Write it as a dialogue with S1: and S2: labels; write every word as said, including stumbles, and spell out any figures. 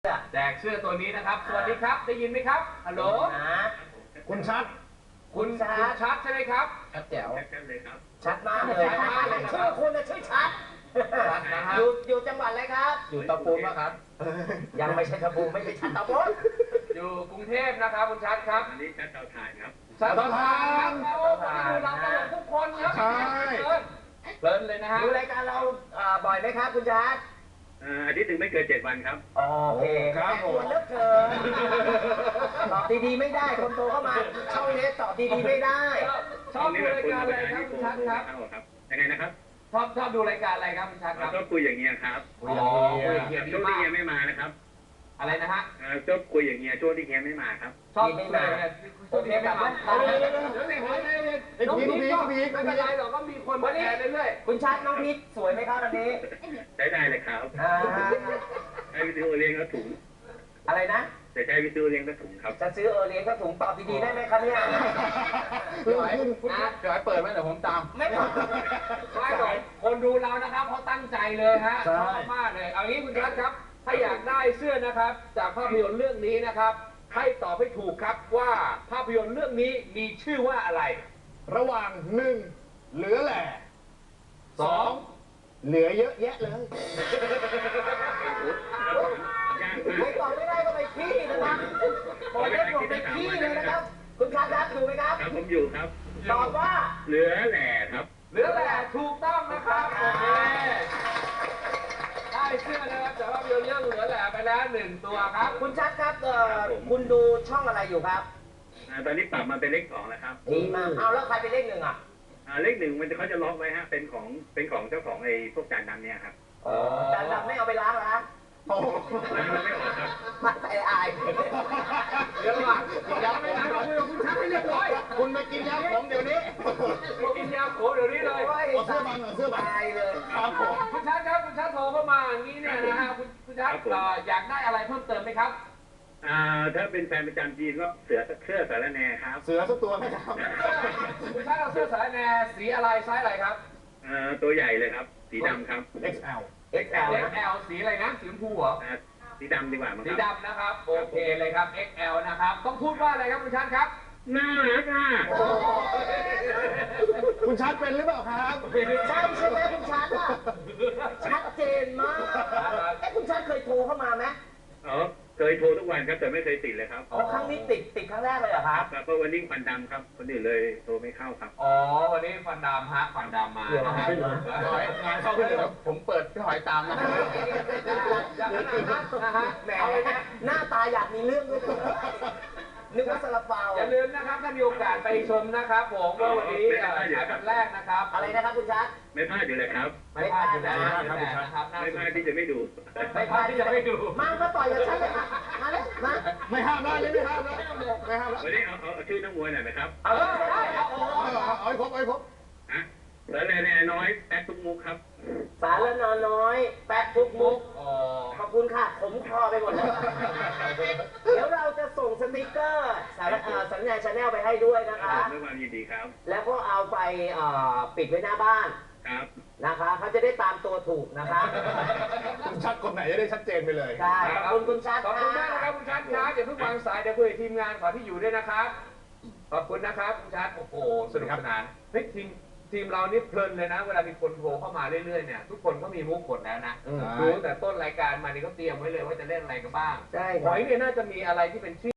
S1: แจกเสื้อตัวนี้นะครับ สวัสดีครับ ได้ยินไหมครับ ฮัลโหล
S2: คุณชัด
S1: คุณคุณชัดใช่ไหมครับ
S2: ชัดแจ๋ว
S3: ชัดเลยครับ
S4: ชัดมากเลยชื่อคุณนะชื่อชัด อยู่อยู่จังหวัดอะไรครับ
S2: อยู่เตาปูนป่ะครับ
S4: ยังไม่ใช่ตะปูไม่ใช่ชัดตะปูน
S1: อยู่กรุงเทพนะครับคุณชัดครับ
S3: อันนี้ชัดเตาถ่านครับ
S1: ชัดเตาถ่านโอ้คนที่ดูเราตลกทุกคนครับ
S2: ใช่
S1: เพลินเลยนะฮะ
S4: ดูรายการเราบ่อยไหมครับคุณชัด
S3: อาทิตย์หนึ่งไม่เกินเจ็ดวันครับ
S4: โอเคครับผมเลิกเกินตอบดีๆไม่ได้คนโตเข้ามาช่องนี้ตอบดีๆไม่ได้
S1: ชอบดูรายการอะไรครับคุณชัดครับ
S3: ครับยังไงนะครับ
S1: ชอบชอบดูรายการอะไรครับคุณชัดครับ
S3: ชอบคุยอย่างเงี้ยครับ
S1: อ๋อคุยเกียรติ
S3: ช่วง
S1: มา
S3: ที่
S1: ก
S3: เฮียไม่มานะครับ
S1: อะไรนะฮะ
S3: ชอบคุยอย่างเงี้ยช่วงที่เฮียไม่มาครับ
S1: ชอบไม่มาผมเทปแบบว่าเดี๋ยวเดี๋ยวเดี๋ยวเดี๋ยวเดี๋ยวเดี๋ยวน้องพีก็ไม่เป็นไรหรอกก็มีคนมาแทนเรื่อย
S4: คุณชัดน้องพีทสวยไหมครับวันนี้
S3: ใช้ได้เลยครับ
S4: อ่า
S3: ใช้วิทยุเลี้ยงก็ถุง
S4: อะไรนะ
S3: แต่ใช้วิทยุเลี้ยงก็ถุงครับ
S4: จะซื้อเออเลี้ยงก็ถุงตอบดีๆได้ไหมครับเนี่ย
S2: เดี๋ยวให้คุณนะเดี๋ยวให้เปิดไหมเดี๋ยวผมตาม
S4: ไม่ตอบ
S1: ๆไม่หรอกคนดูเรานะครับเขาตั้งใจเลยฮะ
S2: ใช่
S1: ชอบมากเลยเอางี้คุณชัดครับ ถ้าอยากได้เสื้อนะครับ จากภาพยนตร์เรื่องนี้นะครับ ให้ตอบให้ถูกครับว่าภาพยนตร์เรื่องนี้มีชื่อว่าอะไร
S2: ระหว่างหนึ่งเหลือแหล่
S1: สอง
S2: เหลือเยอะแยะเลย
S4: ไม่ตอบไม่ได้ก็ไปขี้นะครับผมเล่นผมไปขี้เลยนะครับ คุณชัดครับดูไหมครับ
S3: ครับผมอยู่ครับ
S4: ตอบว่า
S3: เหลือแหล่ครับ
S1: เหลือแหละถูกต้องนะครับโอเคได้เสื้อนะครับจากภาพยนตร์เรื่องเหลือแหละไปแล้วหนึ่งตัวครับ
S4: คุณชัดครับเอ่อคุณดูช่องอะไรอยู่ครับ
S3: ตอนนี้ปรับมาเป็นเลขสองแล้วครับ
S4: ดีมากเอาแล้วใครเป็นเลขหนึ่งอ่ะ
S3: เลขหนึ่งมันจะเขาจะล็อกไว้ฮะ เป็นของเป็นของเจ้าของไอ้พวกจานดำเนี่ยครับ
S4: อ๋อจานดำไม่เอาไปล้างเหรอฮะ
S2: โอ้โห
S3: มันไม่ออกครับ
S4: มาใส่อาย
S1: เดี๋ยวก่อนยังไม่ได้คุยกับคุณชัดให้เรียบร้อย
S2: คุณมากินยาผมเดี๋ยวนี้
S1: กินยาโขเดี๋ยวนี้เลย
S2: เอาเสื้อบังเอาเสื้อบัง
S4: ตายเลย
S2: ครับผม
S1: คุณชัดครับคุณชัดโทรเข้ามาอย่างนี้เนี่ยนะฮะคุณคุณชัดเอ่ออยากได้อะไรเพิ่มเติมไหมครับ
S3: อ่าถ้าเป็นแฟนประจำจีนก็เสือเสื้อสารแหน่ครับ
S2: เสือสักตัวไหมครับ
S1: คุณชัดเอาเสื้อสายแนสีอะไรไซส์อะไรครับ
S3: อ่าตัวใหญ่เลยครับ สีดำครับ
S2: เอ็กซ์แอล
S4: เอ็กซ์แอล
S1: เอ็กซ์แอลสีอะไรนะสีชมพูเหรอ
S3: อ่าสีดำดีกว่ามั้ง
S1: สี
S3: ครับ
S1: ดำนะครับโอเคเลยครับ เอ็กซ์แอล นะครับต้องพูดว่าอะไรครับคุณชัดครับ
S3: น่ารักอ่ะ
S2: คุณชัดเป็นหรือเปล่าครับ
S4: ใช่ใช่ไหมคุณชัดอ่ะชัดเจนมากเอ้คุณชัดเคยโทรเข้ามาไหม
S3: อ๋อเคยโทรทุกวันครับแต่ไม่เคยติดเลยครับ
S4: อ๋อครั้งนี้ติดติดครั้งแรกเลยเหรอครับ
S3: ครับเพราะวันนี้ควันดำครับคนอื่นเลยโทรไม่เข้าครับ
S1: อ๋อวันนี้ฟันดำฮะฟันดำมานะฮะ
S2: งานเข้าขึ้นเลยผมเปิดพี่หอยตามนะ
S1: อย่างนั้นนะฮะ
S4: แหม
S1: เอาเลยนะ
S4: หน้าตาอยากมีเรื่องด้วยนะนึกว่าซาลาเปา
S1: อย่าลืมนะครับถ้ามีโอกาสไปชมนะครับผมว่าวันนี้เอ่อฉายวันแรกนะครับ
S4: อะไรนะครับคุณชัด
S3: ไม่พลาดอยู่เลยครับ
S1: ไม่พลาดอยู่แล้วนะครับน่า
S3: ไม่
S1: ส
S3: พลาด
S1: น
S3: ที่จะไม่ดู
S1: ไม่พลาดที่จะไม่ดู
S4: มามาต่อยกับฉันเลยมามาเลยมา
S2: ไม่ห้ามแล้วไม่ห้ามแล้วไม่ห้ามแล้ว
S3: วันนี้เอาเอาเอาชื่อนักมวยหน่อยไหมครับ
S4: เอาเลยได้เอา
S2: เอาเอาให้ครบเอาให้ครบ
S3: ฮะแล้วแน่ๆน้อยแป๊กทุกมุกครับ
S4: สารละนอน้อย แปะทุกมุก
S1: อ๋อ
S4: ขอบคุณค่ะ ผมคอไปหมดแล้ว เดี๋ยวเราจะส่งสติกเกอร์สารเอ่อสัญญาณชาแนลไปให้ด้วยนะ
S3: ครั
S4: คะ
S3: บด้วยความยินดีครับ
S4: แล้วก็เอาไปเอ่อปิดไว้หน้าบ้าน
S3: ครับ
S4: นะคะเขาจะได้ตามตัวถูกนะคะ
S2: คุณชัดคนไหนจะได้ชัดเจนไปเลย
S4: ใช่ขอบคุณคุณชัด
S1: ขอบคุณมากนะครับคุณชัดครับอย่าเพิ่งวางสายเดี๋ยวคุยกับทีมงานขอที่อยู่ด้วยนะครับ ขอบคุณนะครับคุณชัดโอ้โหสนุกสนานเฮ้ยทีมทีมเรานี่เพลินเลยนะ เวลามีคนโทรเข้ามาเรื่อยๆเนี่ยทุกคนก็มีมุกหมดแล้วนะ
S2: อืม
S1: รู้แต่ต้นรายการมานี่ก็เตรียมไว้เลยว่าจะเล่นอะไรกันบ้าง
S4: ใช่ค
S1: ห
S4: รับ
S1: อยเนี่ยน่าจะมีอะไรที่เป็นชื่อ